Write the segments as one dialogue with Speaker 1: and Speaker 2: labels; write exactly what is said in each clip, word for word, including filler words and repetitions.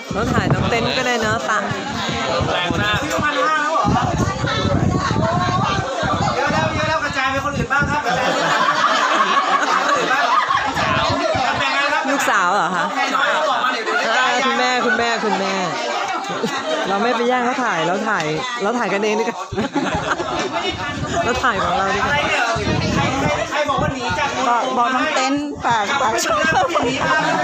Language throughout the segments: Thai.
Speaker 1: เราถ่ายน้องเต้นก็ได้เนาะตัง
Speaker 2: แรงมาก
Speaker 3: ซื้อพันห้าแล้วเหรอเยอะแล้วเยอะแล้วกระจายไปคนอื่นบ้างครับกระจายไปคนอื่นบ้างแบ่งกันครับ
Speaker 1: ลูกสาวเหรอคะ
Speaker 3: ใครน้อยเขาบอกมาเดี๋ยวเดี๋ยวจะ
Speaker 1: คุณแม่คุณแม่คุณแม่ เราไม่ไปแย่งเขาถ่ายเราถ่ายเราถ่ายกันเองดีกว่าเราถ่ายของเราดีก
Speaker 3: อะไร
Speaker 1: ว่า
Speaker 3: เนี่ยใครใครใครบอกว่าหนีจาก
Speaker 4: บอกบอกน้องเต้นฝากฝากช่วย
Speaker 3: หนีมา
Speaker 4: หนึ่ง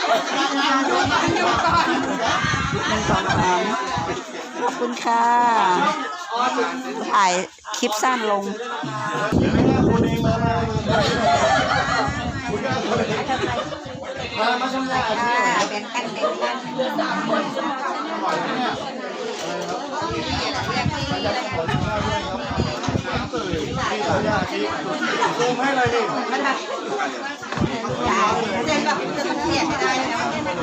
Speaker 4: สองสามขอบคุณค่ะถ่ายคลิปสั้นลงค่ะแบ่งกันแบ่งกัน
Speaker 3: ซูมให้เลยดิ
Speaker 4: เดี๋ยวแบบจะต้องเปลี่ยนให้ได้นะ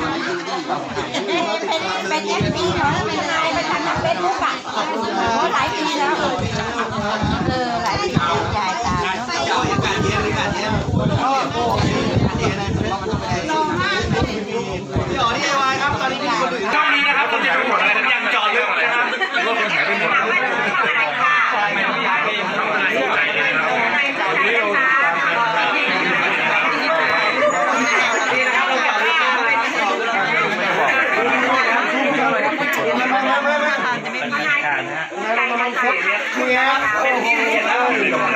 Speaker 4: เป็นเอฟซีเหรอเป็นไงเป็นทางเฟซบุ๊กอ่ะโอ้หลายปีแล้วเออหลายปีแล้วยายตาเนาะ
Speaker 3: เจ้าอย่างการเยี่ยมการเยี่ยมก็โอ้ยเยี่ยมนะรอมากพี่อ๋อที่ไอวายครับตอนนี้มีคนอื่น
Speaker 2: ช่องนี้นะครับผมยังหมดอะไรผมยังจอดลึกนะครับรถคนหายไปหมดแล้วไม่ต้องย้ายไปยังทำอะไรอยู่ไหนเลยครับนี่นะครับเราจอดลึกเป็นที่เห็นแล้ว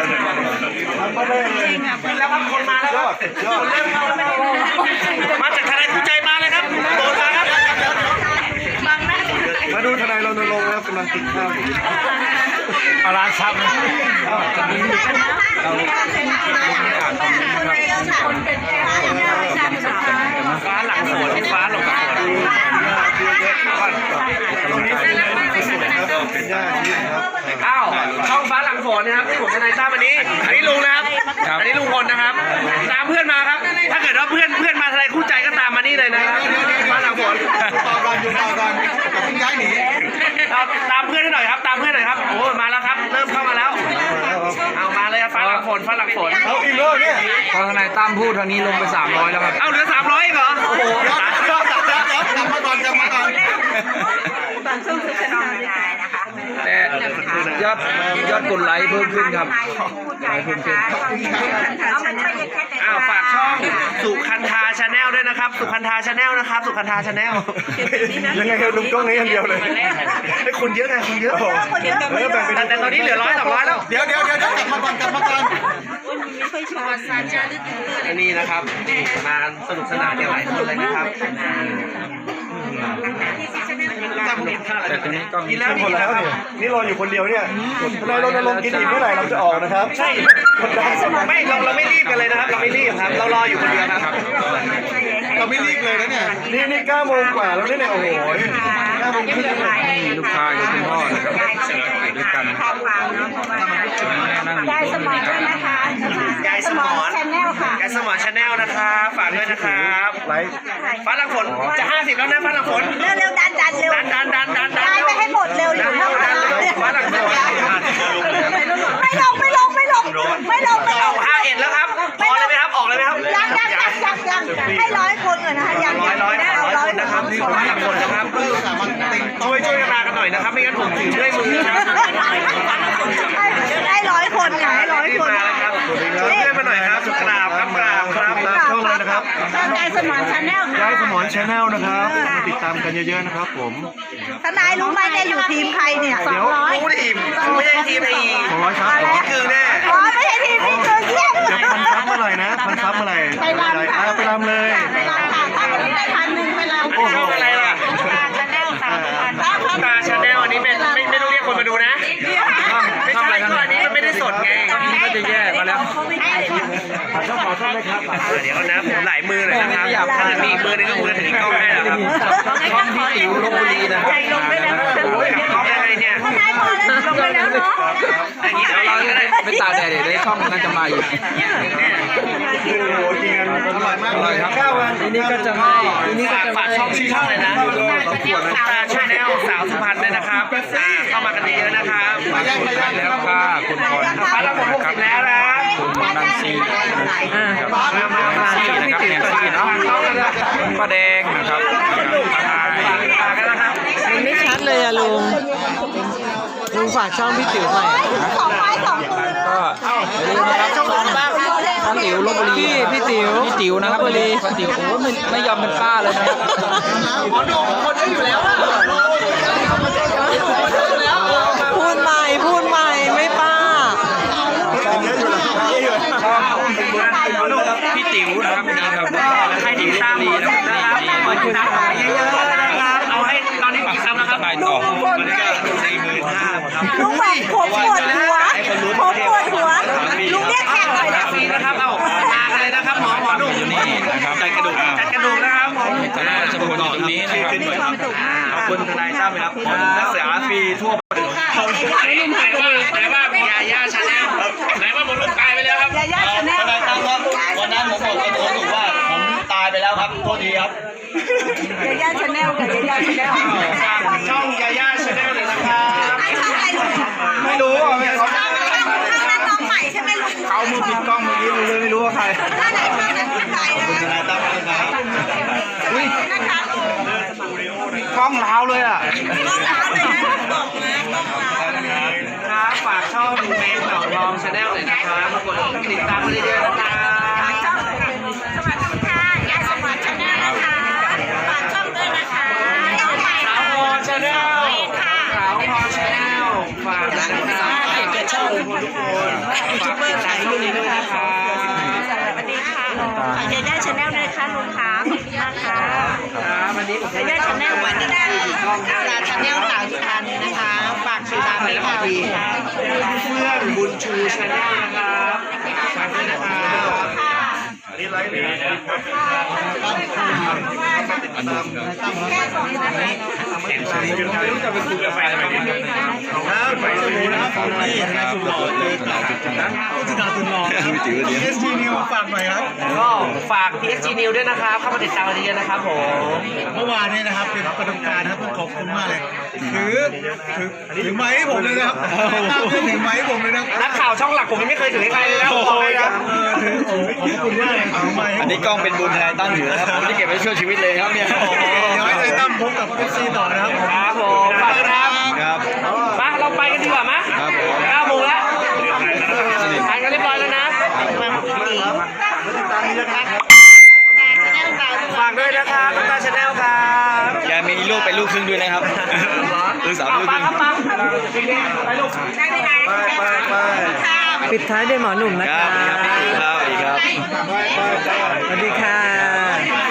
Speaker 2: แล้วครับคนมาแล้วครับคนเริ่มเข้าแล้วมาจากทนายคู่ใจมาเลยครับโดนมาครับ
Speaker 3: มาดูทนายรณรงค์นะครับกำลังติดข้าว
Speaker 2: เอาร้านซับนะฟ้าหลังสวนฟ้าหลงกับสวนตรงนี้เป็นเป็นย่าชีครับอ้าวช่องฟ้าหลังฝนนะครับที่ผมทนายตั้มอันนี้อันนี้ลุงนะครับอันนี้ลุงพลนะครับตามเพื่อนมาครับถ้าเกิดว่าเพื่อนเพื่อนมาทนายคู่ใจก็ตามมานี่เลยนะครับฟ้าหลังฝนต่อก่อนอยู่ต่อก่อนกับย้ายหนีตามเพื่อนให้หน่อยครับตามเพื่อนหน่อยครับโอ้มาแล้วครับเริ่มเข้ามาแล้วเอามาเลยฟ้าหลังฝนฟ้าหลังฝน
Speaker 3: เอาอีกแล้วเนี่ย
Speaker 5: พอทนายตั้มพูดทางนี้ลงไปสามร้อยแล้วครับ
Speaker 2: เอาเหลือสามร้อยเหรอโอ้โหกลับมาก่อนกลับมาก่อน
Speaker 5: แต่ยอดยอดกดไลค์เพิ่มขึ้นครับไลค์เพิ่มขึ้น
Speaker 2: อ้าวฝากช่องสุคันธาชาแนลด้วยนะครับสุคันธาชาแนลนะครับสุคันธาชาแนล
Speaker 3: ยังไงครับลุงกล้องนี้อย่างเดียวเลย
Speaker 2: ไอ้คุณเยอะไงคุณเยอะแต่ตอนนี้เหลือร้อยสองร้อยแล้ว
Speaker 3: เดี๋ยวเดี๋ยวเดี๋ยวกลับมาก่อนกลับมาก่อน
Speaker 2: อันนี้นะครับมาสนุกสนานกันหลายคนเลยนะครับจำเห็นท่าอะไร
Speaker 5: แต่ตรงนี้ก็มี
Speaker 2: กินแล้ว
Speaker 3: หมดแล้วเนี่ยนี่รออยู่คนเดียวเนี่ยทนายรณรงค์กินอีกเมื่อไหร่เราจะออกนะครับ
Speaker 2: ใช่ไม่เราเราไม่รีบกันเลยนะครับ เราไม่รีบครับ เรารออยู่คนเดียวครับ
Speaker 3: เราไม่รีบเลยนะเนี่ยนี่นี่เก้าโมงกว่าแล้วเนี่ยโอ้โหเก้าโมงครึ่ง
Speaker 5: มีลูกค้าอยู่คุณพ่อนะครับไปด้วยกันนั่ง
Speaker 4: ยายสมอนด้วยนะคะ
Speaker 2: ยายสมอน
Speaker 4: ชาแนลค่ะ
Speaker 2: ยายสมอนชาแนลนะครับฝากด้วยนะครับ
Speaker 3: ไลฟ์
Speaker 2: ฟ้าหลังฝนจะห้าสิบแล้วนะฟ้าหลังฝน
Speaker 4: เร็วเร็วดันดันเร็ว
Speaker 2: ดันดันดันดันดัน
Speaker 4: ยายไปให้หมดเร็วอยู่
Speaker 2: ดั
Speaker 4: ข้าง
Speaker 2: น
Speaker 4: หลัง
Speaker 2: ดันฟ้าหลังฝน
Speaker 4: ไม่ลงไม่ลงไม่ลงไม่ลงไม่ล
Speaker 2: เอา
Speaker 4: ง
Speaker 2: ห้าเอ็ดแล้วครับพอเลยไหมครับออกเลยไหมครับ
Speaker 4: ยังยังยังยังยังให้ร้อยคนก่อนนะคะยัง
Speaker 2: ร้อยร้อย
Speaker 4: ได้
Speaker 2: ร้
Speaker 4: เอา
Speaker 2: อย
Speaker 4: ร้อ
Speaker 2: ค
Speaker 4: ย
Speaker 2: นนะครับฟ้าหลังฝนนะครับช่วยช่วยกันมากันหน่อยนะครับไม่งั้นผมถือด้วยมือนะครับ
Speaker 4: ได้ร้อยคนไงให้ร้อยคน
Speaker 2: มาแล้วครับช่วยมาหน่อยครับกราบครับกราบครับ
Speaker 3: ตามช่องเลยนะครับ
Speaker 4: ยายสมอนชาแนลค่ะ
Speaker 3: ย้ายสมอนชาแนลนะครับมาติดตามกันเยอะๆนะครับผม
Speaker 4: ทนายรู้ไหมแกอยู่ทีมใครเนี่ยสองร้อย
Speaker 2: รู้ดิไม่ใช่ทีมไอ้
Speaker 3: สองร้อยครับ
Speaker 2: นี่คือแน่
Speaker 4: อ๋อไม่ใช่ทีมนี่คือเที่ยง
Speaker 3: เดี๋ยวพันซับเมื่อไหร่นะพันซับเมื่อไหร่
Speaker 4: ไปรำค่ะ
Speaker 3: ไปรำเลย
Speaker 4: ไปรำค่ะถ้าวันนี้ได้พันหนึ่งไปรำ
Speaker 2: อันนี้ช่องอะไรล่ะ
Speaker 4: ชาแนลค่ะ
Speaker 2: ตาชาแนลอันนี้เป็นไม่ไม่ต้องเรียกคนมาดูนะไม่ใช่ก็อันนี้มันไม่ได้สดไง
Speaker 5: นี่ก็จะแย่มาแล้ว
Speaker 3: ช่องขอช่องเลยครับ
Speaker 2: เดี๋ยวนะผมหลายมือเลยนะครับถ้ามีอีกมือนึงก็คงจะถือกล้องให้นะครับ
Speaker 5: ช่องพี่ติ๋วลพบุรีนะครับ
Speaker 4: ลงไปแล้ว
Speaker 2: โอ้ยกล้องยังไงเนี่ย
Speaker 4: ทนายพอแล้วลงไปแล้วเนาะ
Speaker 2: อย่างนี้เอาอย่างนี้เลย
Speaker 5: ไปตากแดดเดี๋ยวได้ช่องน่าจะมาอยู่
Speaker 3: โอ้โหกินกันอร่อยมากเลยครับข้าววัน
Speaker 1: ทีนี้ก็จะไม่ทีนี้ก็
Speaker 2: ฝาก
Speaker 1: จะ
Speaker 2: ฝากช่องชื่อช่องเลยนะตาชาแนลสาวสุพรรณเลยนะครับเข้ามากันเยอะนะครับ
Speaker 5: แล้วค่ะคุณพร
Speaker 2: ฟ้าละหมดหกสิบแล้วนะ
Speaker 5: คุณนันซี
Speaker 1: อ่า
Speaker 5: ครับ
Speaker 1: ฝาก
Speaker 5: นันซี
Speaker 1: ช่อง
Speaker 5: นะ
Speaker 1: พี่
Speaker 5: ครับ
Speaker 1: ติ๋ว
Speaker 5: แนน
Speaker 1: ฝาก
Speaker 5: ซีเนาะป้าแดงนะครับทนาย
Speaker 1: มันไม่ชัดเลยอะลุง ลุงฝากช่องพี่ติ๋วหน่อย
Speaker 4: สองไม้สองมือ
Speaker 5: ก็อย่าลืมนะครับช่องบ้างช่องติ๋วลบบุรี
Speaker 1: พี่พี่ติ๋ว
Speaker 5: พี่ติ๋วนะครับ
Speaker 1: ลพบุรี
Speaker 5: พี่ติ๋วโอ้ไม่ไม่ยอมเป็นป้าเลยนะครับ
Speaker 2: หมอหนุ่มคนเยอะอยู่แล้วอะ
Speaker 1: พูดใหม่พูดใหม่ไม่ป้า
Speaker 5: พี่ติ๋วนะครับนี่ครับ
Speaker 2: ใครที่ตามหมอหนุ่มนะครับขอติดตามเยอะๆนะครับ เอาให้ตอนนี้กี่ซับแล้วครับ
Speaker 5: ไปต่อ
Speaker 2: สี่หมื่นห้าครับ
Speaker 4: ลุงแบบผมปวดหัวผมปวดหัวลุงเรียกแขกหน่อยนะ
Speaker 2: ฟรีนะครับ เอามากันเลยนะครับหมอหมอหนุ่ม
Speaker 5: อยู่นี่นะครับ
Speaker 2: จัดกระดูกจัดกระดูกนะครับผม
Speaker 5: ทนายรัชพลอยู่ตรงนี้นะครับ
Speaker 2: ขอบคุณทนายตั้มครับหมอหนุ่มนักศึกษาฟรีทั่วประเทศไหนว่าไหนว่ามียาย่าชาแนลไหนว่าหมอหนุ่มตายไปแล้วครับ
Speaker 4: ยาย่าชาแนล
Speaker 3: ทนายตั้มครับวันนั้นผมบอกกับตัวถูกว่าผมตายไปแล้วครับโทษทีครับ
Speaker 4: ยาย่าชาแนลกับยาย่าชาแนล
Speaker 2: ฝากช่องยาย่าชาแนลเลยนะครับ
Speaker 4: ช่องอะไรลุง
Speaker 2: ไม่รู้อ่ะไม่เขา
Speaker 4: ช่องนั้นน้องใหม่ใช่ไหมลุง
Speaker 2: เขามือปิดกล้องเมื่อกี้รู้เลยไม่รู้ว่าใคร
Speaker 4: ท่านไหนช่องนั้นท่านไหนนะ
Speaker 3: ทนายตั้มนะครับ
Speaker 2: อุ้ย
Speaker 4: นะคะ
Speaker 2: กล้องล้าวเลยอ่ะ
Speaker 4: ช่องร้านเลยนะบอกมาช่องร้าน
Speaker 2: ครับฝากช่องแมงเหล่าทองชาแนลเลยนะครับกดติดตามมาเยอะๆนะครับ
Speaker 4: ช่องสวัสดีค่ะยายสวัสดิ์ชาแนลนะคะฝากช่องด้วยนะคะน้องใหม่
Speaker 2: สาวพรชาแนลสาวพรชาแนลฝากด้วยนะครับช่องทุกคนฝากติดตามช่องนี้ด้วยนะครับ
Speaker 4: สวัสดีค่ะฝากยาย่าชาแนลด้วยนะคะลุงขาขอบคุณมากค่ะ
Speaker 2: ครับวันนี้ผม
Speaker 4: ยาย่าชาแนลวันนี้ได้ลาชาแนลสาวสุพรรณนะคะฝากติดตามด้วยค่ะ
Speaker 2: เพื่อนบุญชูชาแนลนะครับฝากด้วยนะครับนี่ไลฟ์เลยไม่รู้จะไปคุยกับแฟนอะไรกันครับไปดูนะครับนี่ทนายสุดหล่อเลยนะทนายสุดหล่อเอสจีนิวฝากหน่อยครับก็ฝาก พี เอส จี News ด้วยนะครับเข้ามาติดตามกันเยอะๆนะครับผม
Speaker 3: เมื่อวานนี้นะครับเป็นประดมการนะครับขอบคุณมากเลยถือถือถือไม้ให้ผมเลยนะครับตั้มถือไม้ให้ผมเลยนะ
Speaker 2: นักข่าวช่องหลักผมยังไม่เคยถือให้ใครเลยนะผมบอกเลยนะ
Speaker 3: เออถือโอ้ขอบคุณมากเลยถือไม้ให้
Speaker 5: อันนี้กล้องเป็นบุญทนายตั้มอยู่นะครับผมที่เก็บไว้ช่วยชีวิตเลยครับเนี่ย
Speaker 3: เดี๋ยวให้ทนายตั้มพบกับเอฟซีต่อนะครับผม
Speaker 2: ครับผมฝากด้วยนะครับ
Speaker 5: ครับ
Speaker 2: มาเราไปกันดีกว่ามั้ย
Speaker 5: ครับผม
Speaker 2: เก้าโมงแล้วทานกันเรียบร้อยแล้วนะฝากด้วยนะครับน้ำตาชาแนลครับ
Speaker 5: แกมีลูกเป็นลูกครึ่งด้วยนะครับลูกสาวลูกค
Speaker 2: ปั
Speaker 5: รึ่
Speaker 2: ง
Speaker 5: ง
Speaker 2: ครับปังไปลูก
Speaker 4: ได้ไหมนะ
Speaker 2: ไปไปไป
Speaker 1: ปิดท้ายด้วยหมอหนุ่มนะ
Speaker 5: ค
Speaker 1: ค
Speaker 5: รั
Speaker 1: รั
Speaker 5: บบ สวัสดีครับสวัสดีครับ
Speaker 1: สวัสดีค่ะ